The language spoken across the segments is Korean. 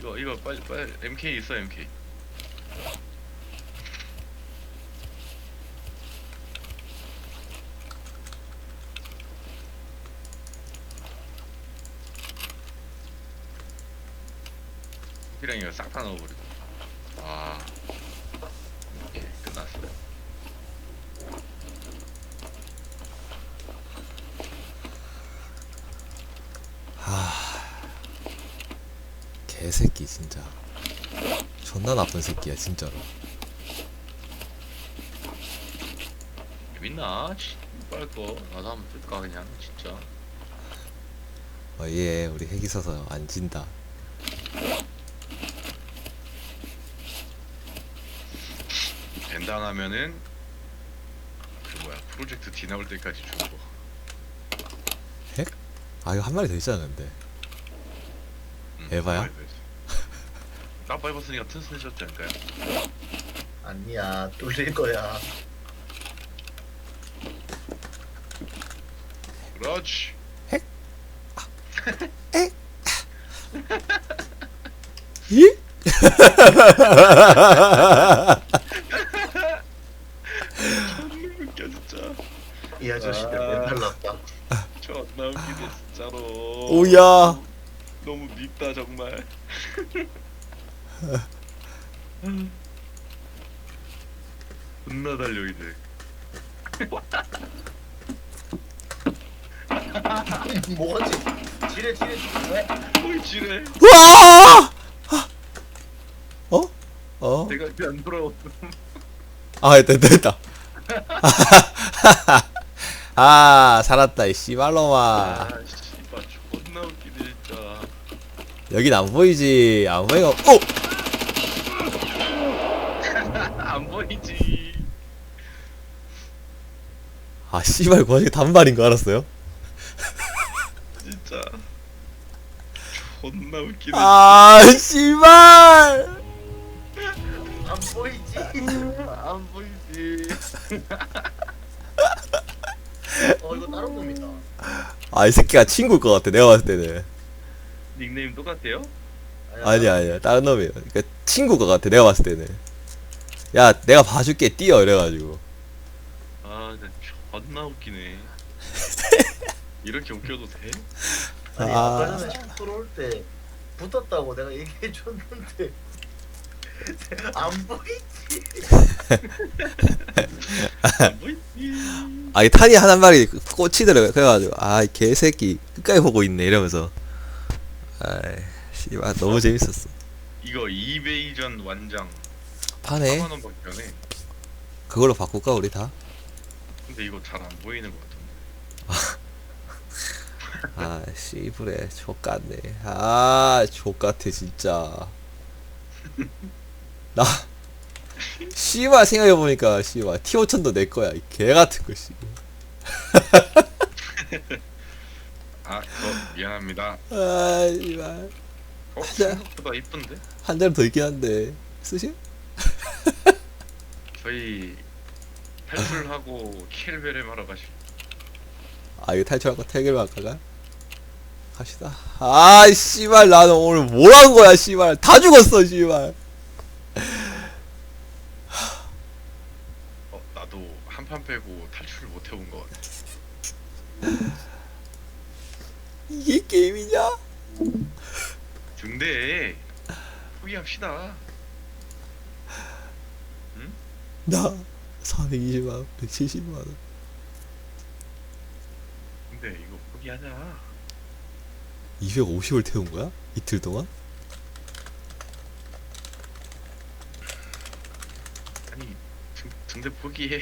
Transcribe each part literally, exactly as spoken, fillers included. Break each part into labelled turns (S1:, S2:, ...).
S1: 이거 이거 빨리 빨리 엠케이 있어 엠케이. 피랑 이거 싹 다 넣어버리고. 아, 오케이 끝났어요.
S2: 개새끼 진짜 존나 나쁜 새끼야 진짜로.
S1: 재밌나? 빨 거. 나도 한번 뜰까 그냥 진짜.
S2: 어예 우리 핵 있어서 안 진다.
S1: 된당하면은 그 뭐야 프로젝트 D 나올 때까지 주는 거.
S2: 핵? 아 이거 한 마리 더 있잖아 근데.
S1: 응,
S2: 에바야?
S1: 까빠 입었으니까 튼튼해졌지 않을까요?
S3: 아니야, 뚫릴 거야.
S1: 그렇지.
S2: 이?
S1: 존나 웃겨 진짜.
S3: 이 아저씨들
S1: 아.
S3: 맨날 났다.
S1: 존나 웃기네 진짜로.
S2: 오야.
S1: 너무 밉다 정말. 존나 달려 이제.
S3: 뭐지? 지뢰, 지뢰, 지뢰.
S1: 어이 지뢰.
S2: 우와! 어? 어?
S1: 내가 안 돌아왔어.
S2: 아 됐다 됐다. 아 살았다 이 씨발로마.
S1: 아 씨발 존나 웃기네 진짜.
S2: 여긴 안 보이지. 안 보이고. 오!
S1: 안 보이지.
S2: 아 씨발 그 와중에 단발인 거 알았어요?
S1: 진짜 존나 웃기네.
S2: 아 씨발.
S3: 안 보이지?
S1: 안 보이지.
S3: 어, 이거 다른 놈이다.
S2: 아 이 새끼가 친구일 것 같아 내가 봤을 때는.
S1: 닉네임 똑같아요?
S2: 아니야 아니야 다른 놈이에요. 그러니까 친구일 것 같아 내가 봤을 때는. 야 내가 봐줄게 뛰어 이래가지고.
S1: 아 진짜 존나 웃기네. 이렇게 웃겨도 돼?
S3: 아니,
S2: 아.
S3: 아까 전에 식 들어올 때 붙었다고 내가 얘기해 줬는데 안 보이지?
S1: 안 보이지.
S2: 아이 탄이 한 마리 꽂히더라고요. 그래가지고 아이 개새끼 끝까지 보고 있네 이러면서. 아이 씨발 너무 재밌었어.
S1: 이거 이베이전 완장
S2: 파네.
S1: 사만 원밖에 안 해.
S2: 그걸로 바꿀까 우리 다?
S1: 근데 이거 잘 안 보이는 것 같은데.
S2: 아 씨부레 족같네. 아 족같아 진짜. 나 씨발 생각해보니까 씨발 티 오천도 내 거야 이 개같은 거 씨.
S1: 아, 저 미안합니다.
S2: 아 씨발
S1: 어,
S2: 하자.
S1: 생각보다 이쁜데?
S2: 한 대는 더 있긴 한데 쓰실?
S1: 저희 탈출하고 킬베렘 하러 가실.
S2: 아 이거 탈출하고 태결만 할까가? 갑시다. 아 씨발 나는 오늘 뭘 한 거야 씨발 다 죽었어 씨발.
S1: 어, 나도 한 판 빼고 탈출을 못 해본 것 같아.
S2: 이게 게임이냐?
S1: 근데 포기합시다.
S2: 나 사백이십만 원, 백칠십만 원.
S1: 근데 이거 포기하자.
S2: 이백오십을 태운 거야? 이틀 동안?
S1: 아니, 등, 등대 포기해.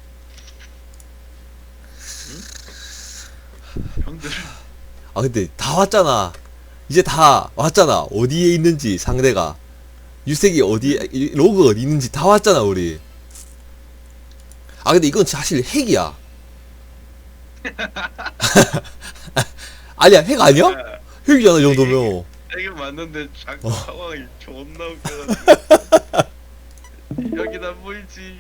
S1: 응? 형들.
S2: 아 근데 다 왔잖아. 이제 다 왔잖아. 어디에 있는지 상대가 유색이 어디에 이- 로그 어디 있는지 다 왔잖아 우리. 아 근데 이건 사실 핵이야. 아니야 핵 아니야? 핵이잖아 이 정도면.
S1: 이게 맞는데 자꾸
S2: 어.
S1: 상황이 존나 웃겨가지고. 여긴 안 보이지.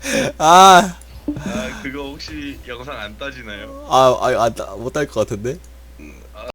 S2: 아,
S1: 아 그거 혹시 영상 안 따지나요?
S2: 아, 아, 아, 못할 것 같은데?